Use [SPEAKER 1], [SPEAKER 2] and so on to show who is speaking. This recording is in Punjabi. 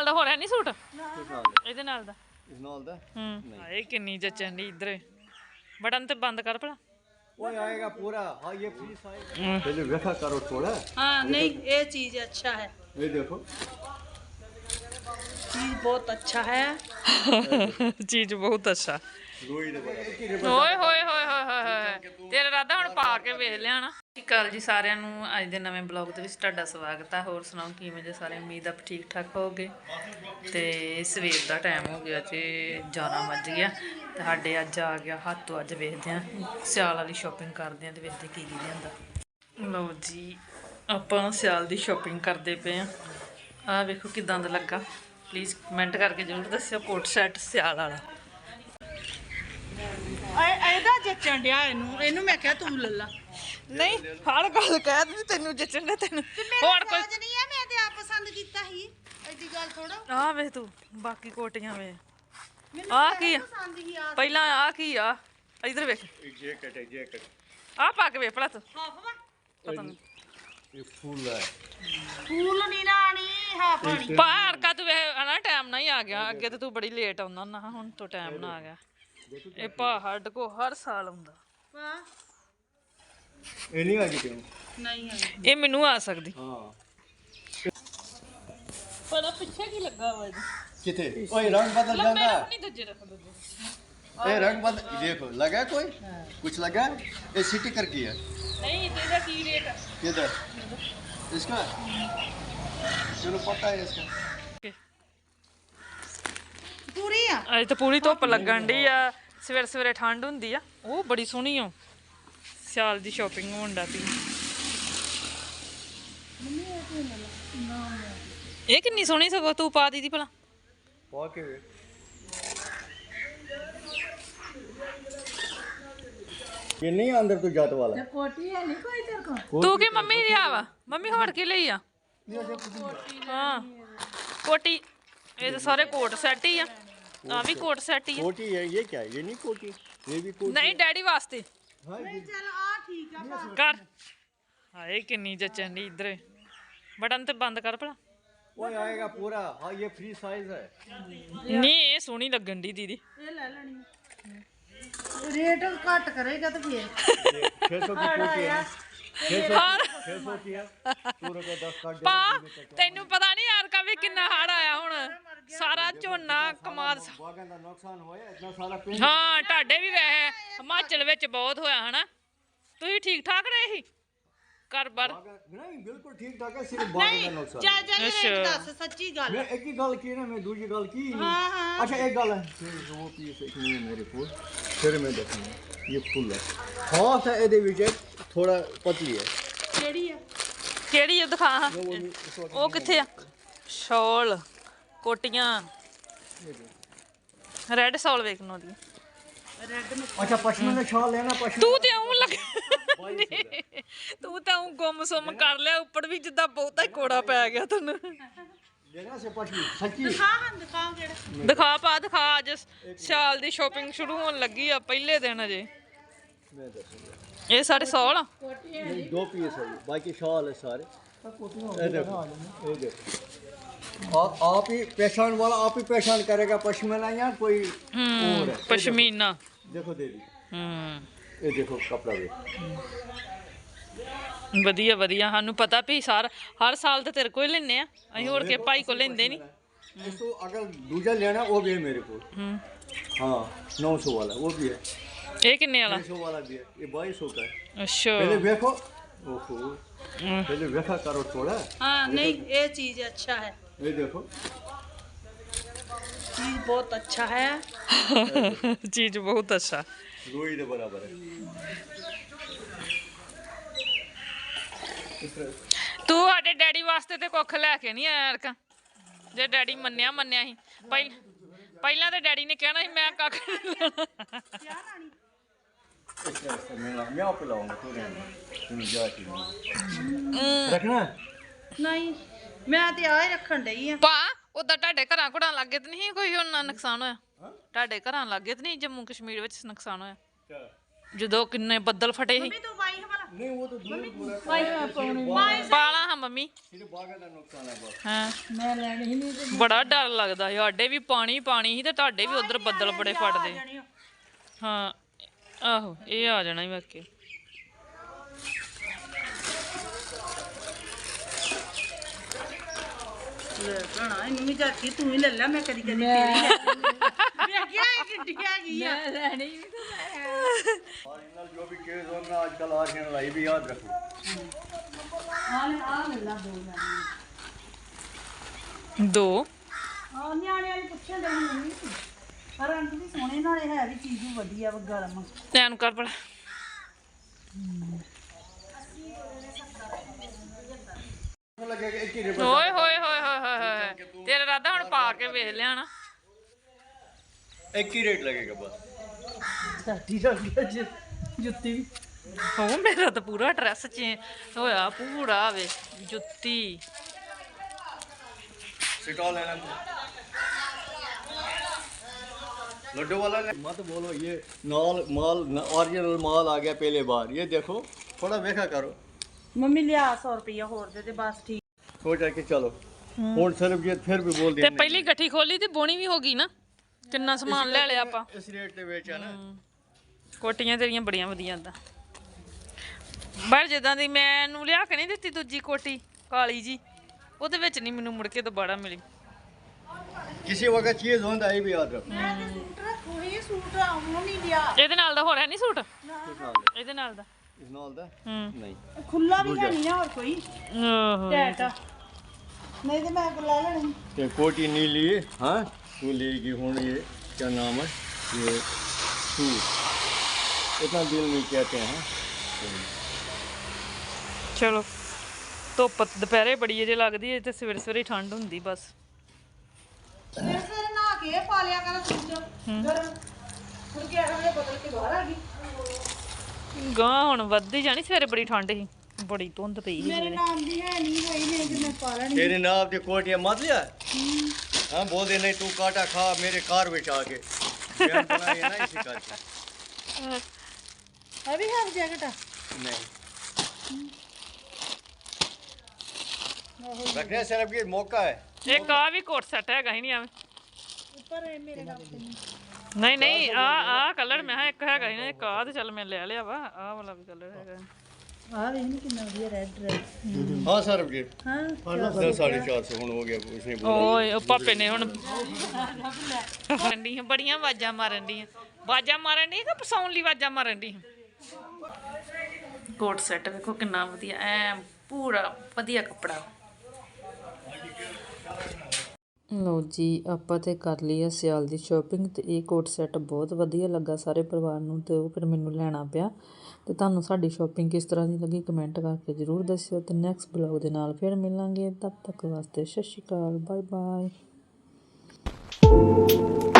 [SPEAKER 1] ਨਾਲ ਦਾ ਹੋ ਰਿਹਾ ਨਹੀਂ ਸੂਟ
[SPEAKER 2] किस नाल दा?
[SPEAKER 1] ਇਹਦੇ ਨਾਲ ਦਾ
[SPEAKER 2] इस नाल दा?
[SPEAKER 1] ਹਾਏ ਕਿੰਨੀ ਜਚਣ ਦੀ ਇਧਰ ਬਟਨ ਤੇ ਬੰਦ ਕਰ ਭਲਾ
[SPEAKER 2] वो आएगा पूरा। हाँ ये फ्री साइज पहले देखा करो थोड़ा।
[SPEAKER 3] हाँ नहीं ये चीज अच्छा है,
[SPEAKER 2] ये देखो
[SPEAKER 3] चीज बहुत अच्छा है।
[SPEAKER 1] ਚੀਜ਼ ਬਹੁਤ ਅੱਛਾ
[SPEAKER 2] रोई दे बड़ा।
[SPEAKER 1] ਓਏ ਹੋਏ ਹੋਏ ਹੋਏ ਹੋਏ ਹੋਏ ਤੇਰਾ ਰਾਦਾ ਹੁਣ ਪਾ ਕੇ ਵੇਖ ਲਿਆ ਨਾ। ਸਤਿ ਸ਼੍ਰੀ ਅਕਾਲ ਜੀ ਸਾਰਿਆਂ ਨੂੰ। ਅੱਜ ਦੇ ਨਵੇਂ ਬਲੌਗ ਦੇ ਵਿੱਚ ਤੁਹਾਡਾ ਸਵਾਗਤ ਹੈ। ਹੋਰ ਸੁਣਾਓ ਕਿਵੇਂ ਜੇ ਸਾਰੇ? ਉਮੀਦ ਆਪ ਠੀਕ ਠਾਕ ਹੋਗੇ। ਤੇ ਸਵੇਰ ਦਾ ਟਾਈਮ ਹੋ ਗਿਆ ਤੇ 11 ਵੱਜ ਗਿਆ ਤੇ ਸਾਡੇ ਅੱਜ ਆ ਗਿਆ ਹੱਥ ਤੋਂ। ਅੱਜ ਵੇਖਦੇ ਹਾਂ ਸਿਆਲ ਵਾਲੀ ਸ਼ਾਪਿੰਗ ਕਰਦੇ ਹਾਂ ਤੇ ਵੇਖਦੇ ਕੀ ਲਿਆਂਦਾ। ਲਓ ਜੀ ਆਪਾਂ ਸਿਆਲ ਦੀ ਸ਼ਾਪਿੰਗ ਕਰਦੇ ਪਏ ਹਾਂ। ਆਹ ਵੇਖੋ ਕਿਦਾਂ ਦਾ ਲੱਗਾ, ਪਲੀਜ਼ ਕਮੈਂਟ ਕਰਕੇ ਜ਼ਰੂਰ ਦੱਸਿਓ। ਕੋਟ ਸੈਟ ਸਿਆਲ ਵਾਲਾ
[SPEAKER 3] ਇਹਦਾ ਜੱਚਣ ਡਿਆ ਇਹਨੂੰ ਮੈਂ ਕਿਹਾ ਤੂੰ ਲੈ ਲਾ।
[SPEAKER 1] ਨਹੀਂ ਹਰ ਗੱਲ ਕਹਿ ਦਿੰਦੀ ਤੈਨੂੰ ਜੱਚਣ ਦੇ ਤੈਨੂੰ ਹੋਰ ਕੋਈ
[SPEAKER 3] ਨਹੀਂ ਹੈ, ਮੈਂ ਤੇ ਆਪ ਪਸੰਦ ਕੀਤਾ ਸੀ। ਐਡੀ ਗੱਲ ਥੋੜਾ।
[SPEAKER 1] ਆ ਵੇ ਤੂੰ ਬਾਕੀ ਕੋਟੀਆਂ ਵੇ ਆ ਕੀ ਆ
[SPEAKER 3] ਪਸੰਦ ਹੀ ਆ।
[SPEAKER 1] ਪਹਿਲਾਂ ਆ ਕੀ ਆ ਇਧਰ ਵੇਖ
[SPEAKER 2] जैकेट है जैकेट।
[SPEAKER 1] ਆ ਪਾ ਕੇ ਵੇਖ ਭਲਾ ਤੂੰ
[SPEAKER 3] ਹਾਫ ਵਾ
[SPEAKER 1] ਪਤਾ ਨਹੀਂ
[SPEAKER 2] ये फूल है।
[SPEAKER 3] ਫੂਲ ਨਹੀਂ ਨਾ ਆਣੀ ਹਾਫ ਆਣੀ।
[SPEAKER 1] ਬਾਹਰ ਕਾ ਤੂੰ ਵੇ ਨਾ ਟਾਈਮ ਨਾਲ ਹੀ ਆ ਗਿਆ। ਅੱਗੇ ਤੇ ਤੂੰ ਬੜੀ ਲੇਟ ਆਉਂਦਾ ਨਾ, ਹੁਣ ਤੋਂ ਟਾਈਮ ਨਾਲ ਆ ਗਿਆ। ਇਹ ਪਹਾੜ ਕੋ ਹਰ ਸਾਲ ਆਉਂਦਾ।
[SPEAKER 3] ਵਾਹ
[SPEAKER 2] ये नहीं आएगी क्यों?
[SPEAKER 3] ਨਹੀਂ ਹੈ
[SPEAKER 1] ਇਹ ਮੈਨੂੰ ਆ ਸਕਦੀ
[SPEAKER 2] हाँ
[SPEAKER 1] ਪਰ ਪਿੱਛੇ ਕੀ ਲੱਗਾ ਵਾ ਜੀ
[SPEAKER 2] किथे? ओए रंग बदल
[SPEAKER 1] ਮੈਂ
[SPEAKER 2] जाता।
[SPEAKER 1] ਨਹੀਂ ਦੂਜੇ ਰੱਖ ਦੂਜੇ
[SPEAKER 2] ए रंग बदल देखो लगा है कोई? कुछ लगा है? ये सिटी कर की है।
[SPEAKER 1] ਨਹੀਂ ਇਹਦਾ ਕੀ ਰੇਟ ਆ
[SPEAKER 2] किधर? इसका? चलो पता है इसका।
[SPEAKER 3] ਪੂਰੀ ਆ।
[SPEAKER 1] ਅੱਜ ਤਾਂ ਪੂਰੀ ਧੁੱਪ ਲੱਗਣ ਡਈ ਆ। ਸਵੇਰੇ ਸਵੇਰੇ ਠੰਡ ਹੁੰਦੀ ਆ। ਉਹ ਬੜੀ ਸੋਹਣੀ ਆ ਸਿਆਲ ਦੀ ਸ਼ਾਪਿੰਗ ਹੋਣ ਦਾ ਪਈ। ਇਹ ਕਿੰਨੀ ਸੋਹਣੀ ਸਗੋਂ ਤੂੰ ਪਾ ਦੀਦੀ ਭਲਾ।
[SPEAKER 2] पा के ये नहीं अंदर तो जात वाला।
[SPEAKER 3] ਕੋਟੀ ਹੈ ਨਹੀਂ ਕੋਈ ਤੇਰੇ ਕੋਲ।
[SPEAKER 1] ਤੂੰ ਕੀ ਮੰਮੀ ਲਿਆ ਵਾ? ਮੰਮੀ ਹੋਰ ਕੀ ਲਈ ਆ? ਹਾਂ ਕੋਟੀ। ਇਹ ਤਾਂ ਸਾਰੇ ਕੋਟ ਸੈੱਟ ਹੀ ਆ। ਆ ਵੀ ਕੋਟ ਸੈੱਟ ਹੀ ਆ।
[SPEAKER 2] कोटी है ये क्या है? ये नहीं कोटी, ये भी कोटी।
[SPEAKER 1] ਨਹੀਂ ਡੈਡੀ ਵਾਸਤੇ
[SPEAKER 2] हाँ ये
[SPEAKER 3] ਚੱਲ ਆ ਠੀਕ ਆ ਬਸ।
[SPEAKER 1] ਕਰ। ਹਾਏ ਕਿੰਨੀ ਜਚਣ ਦੀ ਇਧਰ ਬਟਨ ਤੇ ਬੰਦ ਕਰ ਭਲਾ।
[SPEAKER 2] वो आएगा पूरा। हाँ ये फ्री साइज है।
[SPEAKER 1] ਨਹੀਂ ਇਹ ਸੋਹਣੀ ਲੱਗਣ ਦੀ ਦੀਦੀ।
[SPEAKER 3] ਇਹ ਲੈ ਲੈਣੀ ਰੇਟ ਘੱਟ ਕਰੇਗਾ ਤੇ ਫੇਰ
[SPEAKER 2] 600 की कोटी है। 600 की है। 2 रुपए 10 काट दे।
[SPEAKER 1] ਪਾ ਤੈਨੂੰ ਪਤਾ ਨਹੀਂ ਯਾਰ ਕਾ ਵੀ ਕਿੰਨਾ ਹੜ ਆਇਆ ਹੁਣ। ਸਾਰਾ ਝੋਨਾ ਕਮਾਦ।
[SPEAKER 2] बागान का नुकसान होया इतना सारा पेड़।
[SPEAKER 1] ਹਾਂ ਤੁਹਾਡੇ ਵੀ ਵੈਸੇ ਹਿਮਾਚਲ ਵਿੱਚ ਬਹੁਤ ਹੋਇਆ ਹਨਾ। ਤੁਸੀਂ ਠੀਕ ਠਾਕ ਰਹੇ ਸੀ ਘਰ ਬਾਰ?
[SPEAKER 2] नहीं बिल्कुल ठीक ठाक है, सिर्फ बागान का नुकसान।
[SPEAKER 3] ਜਾ ਜਾ ਰੇਟ ਦੱਸ ਸੱਚੀ ਗੱਲ।
[SPEAKER 2] मैं एक ही गल की ना, मैं दूसरी गल की नहीं।
[SPEAKER 3] हाँ, हाँ।
[SPEAKER 2] अच्छा एक गल है फिर वो पीस एक नहीं है मेरे को, फिर मैं देखूंगा। ये फुल है खास है ਇਹਦੇ ਵਿੱਚ थोड़ा पतली है।
[SPEAKER 3] ਕਿਹੜੀ ਆ?
[SPEAKER 1] ਕਿਹੜੀ ਉਹ ਦਿਖਾ ਹਾਂ।
[SPEAKER 2] वो इस वक्त
[SPEAKER 1] ਉਹ ਕਿੱਥੇ ਆ? ਸ਼ਾਲ ਕੋਟੀਆਂ ਰੈੱਡ ਸ਼ਾਲ ਵੇਖਣੋ ਦੀ।
[SPEAKER 3] ਰੈੱਡ ਨੂੰ
[SPEAKER 2] अच्छा पश्मीना शाल लेना। पश्मीना
[SPEAKER 1] ਤੂੰ ਤੇ ਆਉਂ ਲੱਗ ਤੂੰ ਤਾਂ ਆਉਂ ਗੁੰਮ-ਸੁੰਮ ਕਰ ਲਿਆ। ਉੱਪਰ ਵੀ ਜਿੱਦਾਂ ਬਹੁਤਾ ਹੀ ਕੋੜਾ ਪੈ ਗਿਆ ਤੈਨੂੰ।
[SPEAKER 2] लेना से पश्मीना सच्ची।
[SPEAKER 3] ਦਿਖਾਓ ਕਿਹੜਾ।
[SPEAKER 1] ਦਿਖਾ ਪਾ ਦਿਖਾ। ਅੱਜ ਸ਼ਾਲ ਦੀ ਸ਼ਾਪਿੰਗ ਸ਼ੁਰੂ ਹੋਣ ਲੱਗੀ ਆ। ਪਹਿਲੇ ਦਿਨ ਅਜੇ।
[SPEAKER 2] मैं देखूंगा।
[SPEAKER 1] ਇਹ ਸਾਡੇ ਸ਼ਾਲ ਆ।
[SPEAKER 2] नहीं 2 पीस है, बाकी शाल है सारे। ये देखो ये देखो। आप ही पहचान वाला आप ही पहचान करेगा पश्मीना या कोई और है।
[SPEAKER 1] ਪਸ਼ਮੀਨਾ।
[SPEAKER 2] देखो दीदी
[SPEAKER 1] ਹੂੰ
[SPEAKER 2] ये देखो कपड़ा भी।
[SPEAKER 1] ਵਧੀਆ ਵਧੀਆ। ਸਾਨੂੰ ਪਤਾ ਵੀ ਹਰ ਸਾਲ ਤੇ ਤੇਰੇ ਕੋਲ ਹੀ ਲੈਨੇ ਆ। ਅਸੀਂ ਹੋਰ ਕੇ ਭਾਈ ਕੋਲ ਲੈਂਦੇ ਨਹੀਂ।
[SPEAKER 2] इसको अगर दूजा लेना वो भी है मेरे को। हाँ 900 वाला वो भी है।
[SPEAKER 1] ਇਹ ਕਿੰਨੇ ਵਾਲਾ?
[SPEAKER 2] 600 वाला भी है। ये 2200 का है।
[SPEAKER 1] ਅੱਛਾ
[SPEAKER 2] पहले देखो। ओहो पहले देखा करो थोड़ा।
[SPEAKER 3] हाँ नहीं ये चीज अच्छा है,
[SPEAKER 2] ये देखो
[SPEAKER 3] चीज बहुत अच्छा है।
[SPEAKER 1] ਚੀਜ਼ ਬਹੁਤ ਅੱਛਾ।
[SPEAKER 2] रोई के बराबर है।
[SPEAKER 1] ਤੂੰ ਸਾਡੇ ਡੈਡੀ ਵਾਸਤੇ ਤੇ ਕੁੱਖ ਲੈ ਕੇ ਨਹੀਂ ਆਇਆ ਅਰਕਾ। ਜੇ ਡੈਡੀ ਮੰਨਿਆ ਸੀ ਪਹਿਲਾਂ ਤੇ ਡੈਡੀ ਨੇ ਕਹਿਣਾ ਸੀ ਮੈਂ ਕੱਖ ਨਹੀਂ ਲੈਣਾ।
[SPEAKER 2] मैं आप लाऊंगा तो तुम जाती रखना।
[SPEAKER 3] नहीं मैं ਤੇ ਆ ਹੀ ਰੱਖਣ ਡਈ ਆ।
[SPEAKER 1] ਪਾ ਉਦਾਂ ਤੁਹਾਡੇ ਘਰਾਂ ਘੁੜਾਂ ਲੱਗੇ ਤੇ ਨਹੀਂ ਕੋਈ ਉਹਨਾਂ ਨੁਕਸਾਨ ਹੋਇਆ? ਤੁਹਾਡੇ ਘਰਾਂ ਲੱਗੇ ਤੇ ਨਹੀਂ ਜੰਮੂ ਕਸ਼ਮੀਰ ਵਿੱਚ ਨੁਕਸਾਨ ਹੋਇਆ ਜਦੋਂ ਕਿੰਨੇ ਬੱਦਲ ਫਟੇ ਸੀ?
[SPEAKER 3] ਮੰਮੀ ਤੂੰ ਵਾਈ ਹਵਾਲਾ
[SPEAKER 2] नहीं वो तो दूर पूरा
[SPEAKER 1] ਪਾਲਾ ਹਾਂ ਮੰਮੀ
[SPEAKER 2] सिर्फ बागा का नुकसान है बस।
[SPEAKER 1] ਹਾਂ
[SPEAKER 3] ਮੈਂ ਲੈਣੀ ਹੀ ਨਹੀਂ ਤੇ
[SPEAKER 1] ਬੜਾ ਡਰ ਲੱਗਦਾ ਸੀ ਸਾਡੇ ਵੀ ਪਾਣੀ ਪਾਣੀ ਸੀ ਤੇ ਤੁਹਾਡੇ ਵੀ ਉਧਰ ਬੱਦਲ ਬੜੇ ਫਟਦੇ ਹਾਂ ਆਹੋ ਇਹ ਆ ਜਾਣਾ ਹੀ ਵਾਕੇ
[SPEAKER 3] ਲੈ ਭਣਾ ਇਹਨੂੰ ਵੀ ਚਾਚੀ ਤੂੰ ਹੀ ਲੈ ਲੈ ਮੈਂ ਕਦੀ ਕਦੀ ਤੇਰੀ ਲੈ ਮੈਂ ਕਿਹਾ ਇਹ ਕਿੱਡੀ ਆ ਗਈ ਆ ਮੈਂ ਲੈਣੀ ਵੀ
[SPEAKER 2] और इनल जो भी केस होना आजकल आ रहे हैं लाई भी याद रखो।
[SPEAKER 3] ਆ ਲੈ ਲਾ ਦੋ ਲੈਣੀ
[SPEAKER 1] ਦੋ
[SPEAKER 3] ਆ ਨਿਆਣੇ ਵਾਲੀ ਪੁੱਛਣ ਦੇ ਮੰਮੀ ਪਰ ਰੰਗ ਵੀ ਸੋਹਣੇ ਨਾਲੇ ਹੈ ਵੀ ਚੀਜ਼ ਵੀ ਵਧੀਆ ਵਾ ਗਰਮ
[SPEAKER 1] ਧਿਆਨ ਕਰ ਪੜਾ
[SPEAKER 2] लगेगा एक ही रेट
[SPEAKER 1] ਓਏ ਹੋਏ ਹੋਏ ਹੋਏ ਹੋਏ ਹੋਏ ਤੇਰਾ ਰਾਦਾ ਹੁਣ ਪਾ ਕੇ ਵੇਖ ਲਿਆ ਨਾ
[SPEAKER 2] एक ही रेट लगेगा बस।
[SPEAKER 3] ਸਾਡੀ ਰੰਗ ਜੁੱਤੀ ਵੀ
[SPEAKER 1] ਹੋ ਮੇਰਾ ਤਾਂ ਪੂਰਾ ਡਰੈਸ ਚੇਂਜ ਹੋਇਆ ਪੂਰਾ ਵੇ ਜੁੱਤੀ
[SPEAKER 2] सिटॉल लेना लड्डू वाला मत बोलो ये नाल माल ओरिजिनल माल आ गया पहले बार ये देखो थोड़ा देखा करो
[SPEAKER 3] ਮੰਮੀ ਲਿਆ 100 ਰੁਪਇਆ ਹੋਰ ਦੇ ਬਸ ਠੀਕ
[SPEAKER 2] सोच के चलो और सिर्फ ये फिर भी बोल
[SPEAKER 1] ਤੇ
[SPEAKER 2] दिया
[SPEAKER 1] ਪਹਿਲੀ ਗੱਠੀ ਖੋਲੀ ਤੇ ਬੋਣੀ ਵੀ ਹੋ ਗਈ ਨਾ ਕਿੰਨਾ ਸਮਾਨ ਲੈ ਲਿਆ ਆਪਾਂ
[SPEAKER 2] इस रेट पे बेचा ना
[SPEAKER 1] ਕੋਟੀਆਂ ਤੇਰੀਆਂ ਬੜੀਆਂ ਵਧੀਆ ਤਾਂ ਪਰ ਜਿੱਦਾਂ ਦੀ ਮੈਨੂੰ ਲਿਆ ਕੇ ਨਹੀਂ ਦਿੱਤੀ ਦੂਜੀ ਕੋਟੀ ਕਾਲੀ ਜੀ ਉਹਦੇ ਵਿੱਚ ਨਹੀਂ ਮੈਨੂੰ ਮੁੜ ਕੇ ਦੁਬਾਰਾ ਮਿਲੀ
[SPEAKER 2] किसी वक्त चीज होता है ये भी याद रखो
[SPEAKER 3] ਸੂਟ ਰੱਖੋ ਇਹ ਸੂਟ ਆਉਂ ਨਹੀਂ ਲਿਆ
[SPEAKER 1] ਇਹਦੇ ਨਾਲ ਦਾ ਹੋ ਰਿਹਾ ਨਹੀਂ ਸੂਟ
[SPEAKER 2] किस नाल है?
[SPEAKER 1] ਇਹਦੇ ਨਾਲ ਦਾ
[SPEAKER 2] इस नाल दा
[SPEAKER 1] ਹੂੰ
[SPEAKER 2] नहीं
[SPEAKER 3] ਖੁੱਲਾ ਵੀ ਹੈ ਨਹੀਂ ਹੋਰ ਕੋਈ
[SPEAKER 1] ਓਹੋ
[SPEAKER 3] ਟੈਟ ਨਹੀਂ ਤੇ ਮੈਂ ਲੈ ਲੈਣੀ
[SPEAKER 2] ये कोटी नीली हाँ तू लेगी हूँ ये क्या नाम है ये सूट इतना दिल नहीं कहते हैं
[SPEAKER 1] ਚਲੋ ਧੁੱਪ ਦੁਪਹਿਰੇ ਬੜੀ ਅਜੇ ਲੱਗਦੀ ਹੈ ਤੇ ਸਵੇਰੇ ਸਵੇਰੇ ਠੰਡ ਹੁੰਦੀ ਬਸ
[SPEAKER 3] ਫਿਰ ਫਿਰ ਨਹਾ ਕੇ ਪਾ ਲਿਆ ਕਰ ਸੂਟ ਗਰਮ ਫਿਰ ਕੀ ਅਗਲੇ ਬਦਲ ਕੇ ਬਾਹਰ ਆ ਗਈ
[SPEAKER 1] ਗਾਂ ਹੁਣ ਵੱਧਦੀ ਜਾਣੀ ਸਵੇਰੇ ਬੜੀ ਠੰਡ ਸੀ ਬੜੀ ਧੁੰਦ ਪਈ ਸੀ
[SPEAKER 3] ਮੇਰੇ
[SPEAKER 1] ਸਵੇਰੇ
[SPEAKER 3] ਨਾਮ ਦੀ ਹੈ ਨਹੀਂ ਹੋਈ ਨਹੀਂ ਕਿ ਮੈਂ ਪਾ ਲੈਣੀ
[SPEAKER 2] तेरे नाम की कोटियाँ मत लिया हाँ बोल दे नहीं तू काटा खा मेरे कार में आके बयान बनाई है ना इसी कार की
[SPEAKER 3] ਅਭੀ ਹਾਫ ਜੈਕਟ ਆ
[SPEAKER 2] नहीं रखने सिर्फ ये मौका है
[SPEAKER 1] ਇੱਕ ਆ ਵੀ ਕੋਟ ਸੈੱਟ ਹੈਗਾ ਹੀ ਨਹੀਂ ਆਵੇਂ
[SPEAKER 3] ਉੱਪਰ ਇਹ ਮੇਰੇ ਨਾਲ
[SPEAKER 1] ਨਹੀਂ ਨਹੀਂ ਆ ਕਲਰ ਮੈਂ ਕਿਹਾ ਇੱਕ ਹੈਗਾ ਹੀ ਨਾ ਇੱਕ ਆ ਤੇ ਚੱਲ ਮੈਂ ਲੈ ਲਿਆ ਵਾ ਆਹ ਵਾਲਾ ਵੀ ਕਲਰ ਹੈਗਾ
[SPEAKER 3] ਆ ਵੇਖ ਨੀ ਕਿੰਨਾ ਵਧੀਆ ਰੈੱਡ ਰੈੱਡ
[SPEAKER 2] हाँ सर ये
[SPEAKER 3] ਹਾਂ
[SPEAKER 2] 450 ਹੁਣ ਹੋ ਗਿਆ उसने बोला
[SPEAKER 1] ਓਏ ਉਹ ਪਾਪੇ ਨੇ ਹੁਣ ਰੰਡੀ ਬੜੀਆਂ ਆਵਾਜ਼ਾਂ ਮਾਰਨ ਦੀਆਂ ਆਵਾਜ਼ਾਂ ਮਾਰਨ ਦੀ ਕਿ ਪਸਾਉਣ ਲਈ ਆਵਾਜ਼ਾਂ ਮਾਰਨ ਦੀ ਕੋਟ ਸੈੱਟ ਵੇਖੋ ਕਿੰਨਾ ਵਧੀਆ ਐ ਪੂਰਾ ਵਧੀਆ ਕੱਪੜਾ ਲਓ ਜੀ ਆਪਾਂ ਤੇ ਕਰ ਲਈ ਆ ਸਿਆਲ ਦੀ ਸ਼ਾਪਿੰਗ ਤੇ ਇਹ ਕੋਟ ਸੈੱਟ ਬਹੁਤ ਵਧੀਆ ਲੱਗਾ ਸਾਰੇ ਪਰਿਵਾਰ ਨੂੰ ਤੇ ਉਹ ਫਿਰ ਮੈਨੂੰ ਲੈਣਾ ਪਿਆ ਤੇ ਤੁਹਾਨੂੰ ਸਾਡੀ ਸ਼ਾਪਿੰਗ ਕਿਸ ਤਰ੍ਹਾਂ ਦੀ ਲੱਗੀ ਕਮੈਂਟ ਕਰਕੇ ਜ਼ਰੂਰ ਦੱਸਿਓ ਤੇ ਨੈਕਸਟ ਬਲੌਗ ਦੇ ਨਾਲ ਫਿਰ ਮਿਲਾਂਗੇ ਤਦ ਤੱਕ ਵਾਸਤੇ ਸਤਿ ਸ਼੍ਰੀ ਅਕਾਲ ਬਾਏ ਬਾਏ